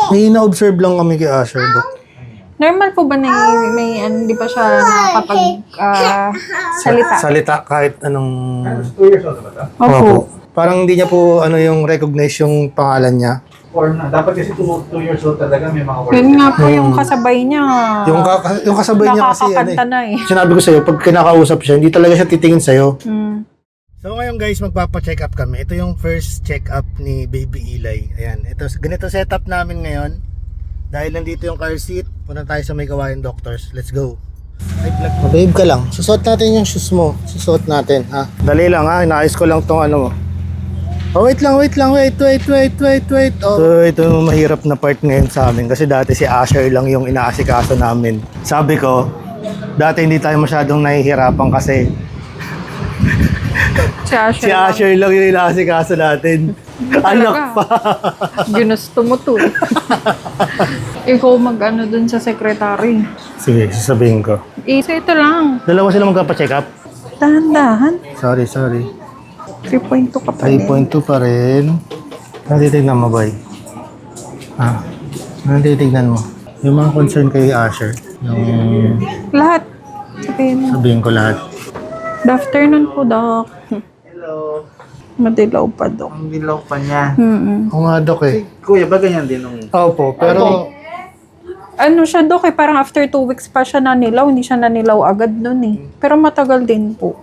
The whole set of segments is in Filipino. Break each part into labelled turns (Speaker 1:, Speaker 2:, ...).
Speaker 1: May na-observe lang kami kay Asher, Dok.
Speaker 2: Normal po ba na hindi pa siya nakakapag salita?
Speaker 1: Salita kahit anong...
Speaker 3: 2 years old na ba ito?
Speaker 2: Opo.
Speaker 1: Parang hindi niya po yung recognize yung pangalan niya.
Speaker 3: Or na. Dapat kasi 2 years old talaga may mga words.
Speaker 2: Yun nga po yung kasabay niya.
Speaker 1: Yung kasabay niya kasi
Speaker 2: Nakakakanta na eh.
Speaker 1: Sinabi ko sa'yo, pag kinakausap siya, hindi talaga siya titingin sa'yo.
Speaker 2: Hmm.
Speaker 1: So ngayon guys, magpapa-check up kami. Ito yung first check up ni Baby Eli. Ayan, ganito setup namin ngayon. Dahil nandito yung car seat, punta tayo sa May Kawayan Doctors. Let's go. Babe ka lang. Susuot natin yung shoes mo. Susuot natin, ha? Dali lang, ha? Inaayos ko lang tong ano mo. Oh, wait lang. Wait. Oh. So, ito yung mahirap na part ngayon sa amin. Kasi dati si Asher lang yung inaasikaso namin. Sabi ko, dati hindi tayo masyadong nahihirapan kasi si Asher lang yung inaasikaso natin. Anak pa.
Speaker 2: Ginusto mo to. Ikaw mag-ano dun sa secretary.
Speaker 1: Sige, sasabihin ko.
Speaker 2: So ito lang.
Speaker 1: Dalawa sila magpapa-check up?
Speaker 2: Dahan-dahan.
Speaker 1: Sorry.
Speaker 2: 3.2 ka pa din.
Speaker 1: 3.2 pa rin. Ano titignan mo, boy? Ano titignan mo? Yung mga concern kay Asher. Yung
Speaker 2: Lahat.
Speaker 1: sabihin ko lahat.
Speaker 2: Good afternoon po, Doc.
Speaker 3: Hello.
Speaker 2: Madilaw pa, Doc.
Speaker 3: Ang dilaw pa niya.
Speaker 1: Oo nga, Dok eh.
Speaker 3: Kuya, ba ganyan din nung...
Speaker 1: Opo, pero...
Speaker 2: Ano siya, Doc eh, parang after 2 weeks pa siya nanilaw. Hindi siya nanilaw agad nun eh. Pero matagal din po.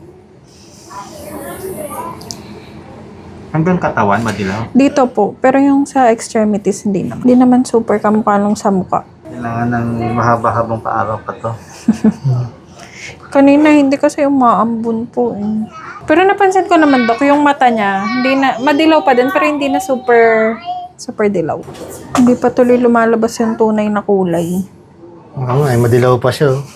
Speaker 3: Hanggang katawan, madilaw.
Speaker 2: Dito po. Pero yung sa extremities, hindi naman. Hindi naman super kamukha nung sa mukha.
Speaker 3: Kailangan ng mahaba-habang paaraw pa to.
Speaker 2: Kanina hindi kasi umaambun po eh. Pero napansin ko naman, Dok, yung mata niya, hindi na, madilaw pa din, pero hindi na super dilaw. Hindi pa tuloy lumalabas yung tunay na kulay.
Speaker 1: Oo nga, madilaw pa siya. Oh.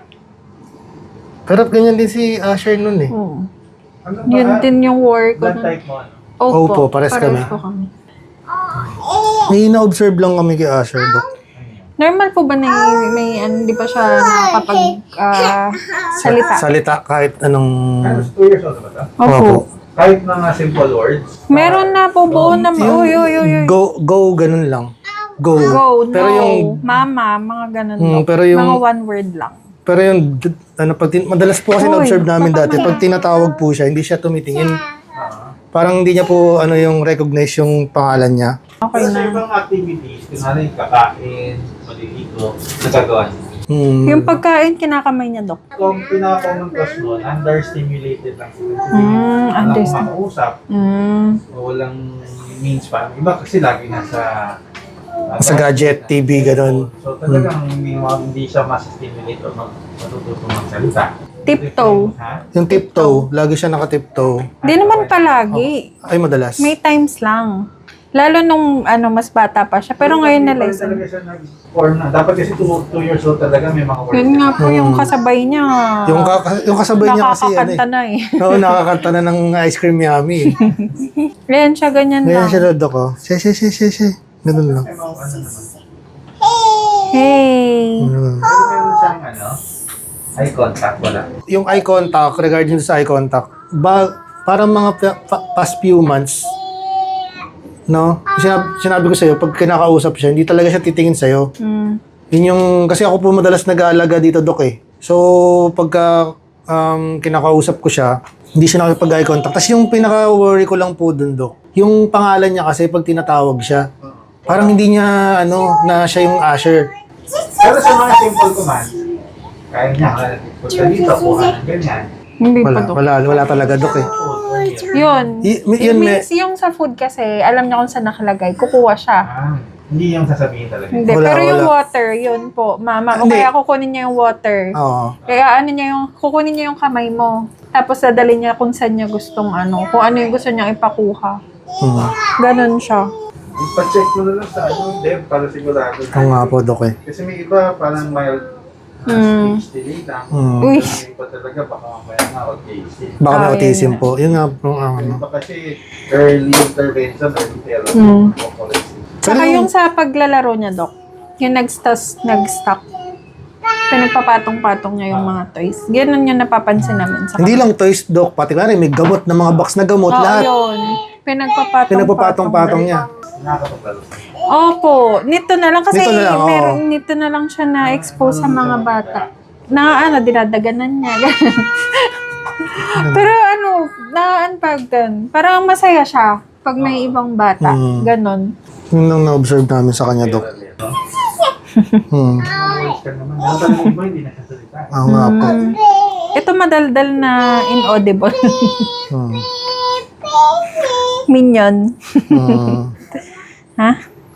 Speaker 1: Pero ganyan din si Asher nun eh.
Speaker 2: Oo. Yun din yung work ko.
Speaker 3: Blood type mo, ano?
Speaker 1: Opo, pares kami.
Speaker 2: po kami.
Speaker 1: May na-observe lang kami kay Asher, Dok.
Speaker 2: Normal po ba na hindi pa siya nakakapag salita?
Speaker 1: Salita kahit anong...
Speaker 3: 2 years old na ba ito?
Speaker 2: Opo.
Speaker 3: Kahit mga simple words.
Speaker 2: Meron na po buo na, uy.
Speaker 1: Go, ganun lang. Go.
Speaker 2: Go, no,
Speaker 1: Pero yung...
Speaker 2: mama, mga ganun.
Speaker 1: pero yung...
Speaker 2: Mga one word lang.
Speaker 1: Pero yung, madalas po kasi
Speaker 2: Uy,
Speaker 1: na-observe namin
Speaker 2: baka
Speaker 1: dati, pag tinatawag po siya, hindi siya tumitingin. Parang hindi niya po yung recognize yung pangalan niya.
Speaker 2: Okay
Speaker 3: Pero sa
Speaker 2: na.
Speaker 3: ibang activities, kunwari kakain, maliligo, nagagawa niya.
Speaker 2: Yung pagkain, kinakamay niya, Dok.
Speaker 3: Kung pinaka-common cause nun, understimulated lang sila. Walang
Speaker 2: Understand.
Speaker 3: makausap, o walang means pa. Iba kasi lagi nasa...
Speaker 1: Sa gadget, TV, ganun.
Speaker 3: So talagang hindi siya mas-stimulate o matututong magsalita.
Speaker 2: Tiptoe.
Speaker 3: Ha?
Speaker 1: Yung tiptoe, lagi siya naka-tiptoe.
Speaker 2: Hindi naman palagi.
Speaker 1: Ay, madalas.
Speaker 2: May times lang. Lalo nung mas bata pa siya. Pero ngayon na
Speaker 3: Iba
Speaker 2: lesson.
Speaker 3: talaga siya nag-form na. Dapat kasi 2 years old talaga may mga words.
Speaker 2: Yun nga po yung kasabay niya.
Speaker 1: Yung kasabay niya kasi,
Speaker 2: Nakakakanta na eh.
Speaker 1: Oo, nakakanta na ng ice cream yummy.
Speaker 2: Ganyan siya, ganyan
Speaker 1: Ngayon
Speaker 2: lang.
Speaker 1: siya Dok, oh. She. Ganun lang.
Speaker 3: May mga ano naman.
Speaker 2: Hey!
Speaker 3: Pero meron siyang eye contact, wala.
Speaker 1: Yung eye contact, regarding sa eye contact, parang mga past few months, no? Sinabi ko sa'yo, pag kinakausap siya, hindi talaga siya titingin sa'yo. Yun yung, kasi ako po madalas nag-aalaga dito, Dok eh. So, pagka kinakausap ko siya, hindi siya nakipag-eye contact. Tapos yung pinaka-worry ko lang po dun, Dok, yung pangalan niya kasi pag tinatawag siya, parang hindi niya, na siya yung Asher.
Speaker 3: Pero sa mga simple commands, kaya niya, punta dito, kuha ng ganyan.
Speaker 2: Hindi pa, Dok.
Speaker 1: Wala talaga, Dok eh.
Speaker 2: Yun.
Speaker 1: Yun,
Speaker 2: Means yung sa food kasi, alam niya kung saan nakalagay. Kukuha siya.
Speaker 3: Hindi yung sasabihin talaga.
Speaker 2: Hindi.
Speaker 1: Wala,
Speaker 2: Pero yung
Speaker 1: wala.
Speaker 2: water, yun po. Mama, o
Speaker 1: Hindi.
Speaker 2: kaya kukunin niya yung water.
Speaker 1: Oo.
Speaker 2: Kaya kukunin niya yung kamay mo. Tapos dadalhin niya kung saan niya gustong kung ano yung gusto niyang ipakuha. Ganon siya.
Speaker 3: Ipa-check mo na lang sa Dev para sigurado.
Speaker 1: Oo nga po, Dok eh.
Speaker 3: Kasi may iba parang mild speech delay lang.
Speaker 2: Uy.
Speaker 3: May iba talaga baka mamaya na autism.
Speaker 1: Baka may
Speaker 2: Ah,
Speaker 1: autism
Speaker 2: yun.
Speaker 1: po. Yun nga po,
Speaker 3: May iba kasi early intervention, early therapy.
Speaker 2: Saka yung sa paglalaro niya, Dok, yung nag-stock. Pinagpapatong-patong niya yung mga toys. Ganun yung napapansin namin sa
Speaker 1: Hindi lang toys, Dok. Pati nga rin, may gamot na mga box na gamot,
Speaker 2: Oo,
Speaker 1: lahat.
Speaker 2: yun.
Speaker 1: Pinagpapatong-patong niya.
Speaker 3: Nakakapaglaro.
Speaker 2: Opo, nito na lang kasi
Speaker 1: Nito na lang, oo.
Speaker 2: nito na lang siya na-expose sa mga bata. Na dinadaganan niya. ganun. Pero parang masaya siya pag may ibang bata. Ganon.
Speaker 1: Yun lang na-observe namin sa kanya, Dok.
Speaker 3: Voice ka naman. Naman yung iba, hindi nakasalita.
Speaker 1: Oo nga po.
Speaker 2: Ito madaldal na inaudible.
Speaker 1: Hmm.
Speaker 2: Minion. Ha?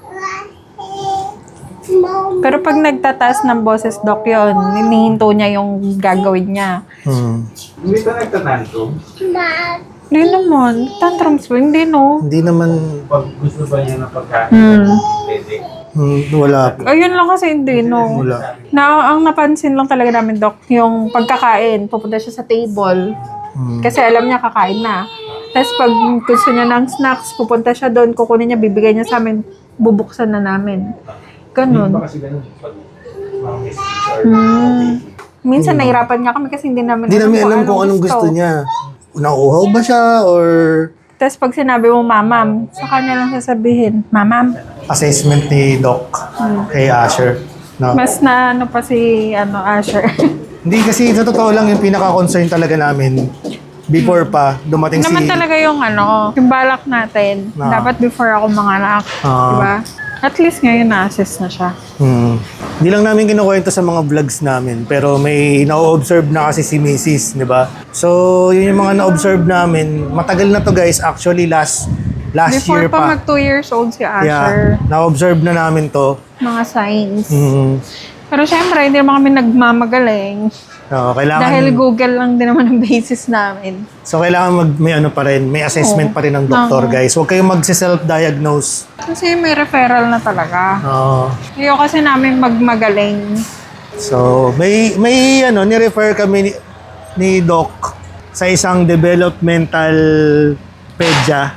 Speaker 2: Pero pag nagtataas ng boses, Doc, yun, hinihinto niya yung gagawin niya.
Speaker 3: Hindi ba nagtatantrum?
Speaker 2: Hindi naman. Tantrums ba? Hindi, no?
Speaker 1: Hindi naman,
Speaker 3: Pag gusto ba niya ng pagkain? Pwede.
Speaker 1: wala po.
Speaker 2: Ayun lang kasi hindi, no?
Speaker 1: Wala.
Speaker 2: Ang napansin lang talaga namin, Doc, yung pagkakain, pupunta siya sa table. Kasi alam niya kakain na. Tapos pag gusto niya ng snacks, pupunta siya doon, kukunin niya, bibigay niya sa amin, bubuksan na namin.
Speaker 3: Hindi
Speaker 2: Ganun.
Speaker 3: ba kasi ganun? Pag mga message or
Speaker 2: Minsan nahirapan nga kami kasi hindi namin
Speaker 1: Hindi namin alam kung anong gusto niya. Nauuhaw ba siya or
Speaker 2: Tapos pag sinabi mo, mamam, sa kanya lang sasabihin, mamam.
Speaker 1: assessment ni Doc kay Asher. No?
Speaker 2: Mas na ano pa si Asher.
Speaker 1: Hindi kasi sa totoo lang yung pinaka-concern talaga namin before pa dumating si...
Speaker 2: Naman talaga yung yung balak natin.
Speaker 1: Ah.
Speaker 2: Dapat before ako manganak.
Speaker 1: Ah.
Speaker 2: Diba? At least ngayon na-assess na siya.
Speaker 1: Hindi lang namin kinukwento sa mga vlogs namin, pero may na-observe na kasi si Mrs., di ba? So, yun yung mga na-observe namin. Matagal na to guys, actually last
Speaker 2: Before
Speaker 1: year
Speaker 2: pa
Speaker 1: pa.
Speaker 2: mag 2 years old si Asher.
Speaker 1: Yeah, na-observe na namin to.
Speaker 2: Mga signs.
Speaker 1: Mm.
Speaker 2: Pero syempre, hindi naman kami nagmamagaling.
Speaker 1: So, kailangan,
Speaker 2: Dahil Google lang din naman ang basis namin.
Speaker 1: so, kailangan may assessment pa rin ng doktor guys. Huwag kayong mag-self-diagnose.
Speaker 2: Kasi may referral na talaga.
Speaker 1: Oo.
Speaker 2: Ayaw kasi namin magmagaling.
Speaker 1: So, may ni-refer kami ni Doc sa isang developmental pedya.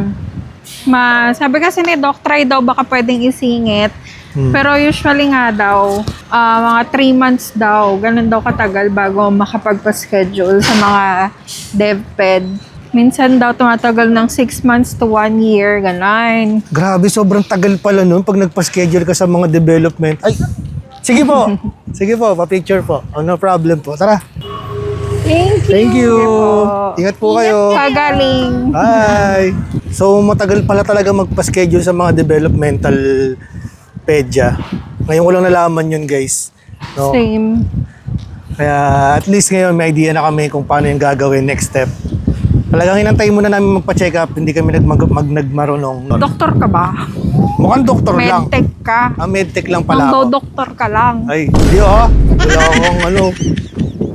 Speaker 2: Sabi kasi ni Doc, try daw baka pwedeng isingit. Pero usually nga daw, mga 3 months daw, ganun daw katagal bago makapagpa-schedule sa mga DevPed. Minsan daw tumatagal ng 6 months to 1 year, ganun.
Speaker 1: Grabe, sobrang tagal pala nun pag nagpa-schedule ka sa mga development. Ay, sige po. Sige po, pa-picture po. Oh, no problem po. Tara. Thank you. Ingat po kayo.
Speaker 2: Pagaling.
Speaker 1: Bye. So, matagal pala talaga magpa-schedule sa mga developmental pedya. Ngayon ko lang nalaman yun, guys. No?
Speaker 2: Same.
Speaker 1: Kaya at least ngayon may idea na kami kung paano yung gagawin next step. Talagang hinantay muna namin magpa-check up, hindi kami nagmarunong.
Speaker 2: Doktor ka ba?
Speaker 1: Mukhang doktor lang.
Speaker 2: Medtech ka?
Speaker 1: Medtech lang pala ako.
Speaker 2: Doktor ka lang.
Speaker 1: Ay, hindi Wala akong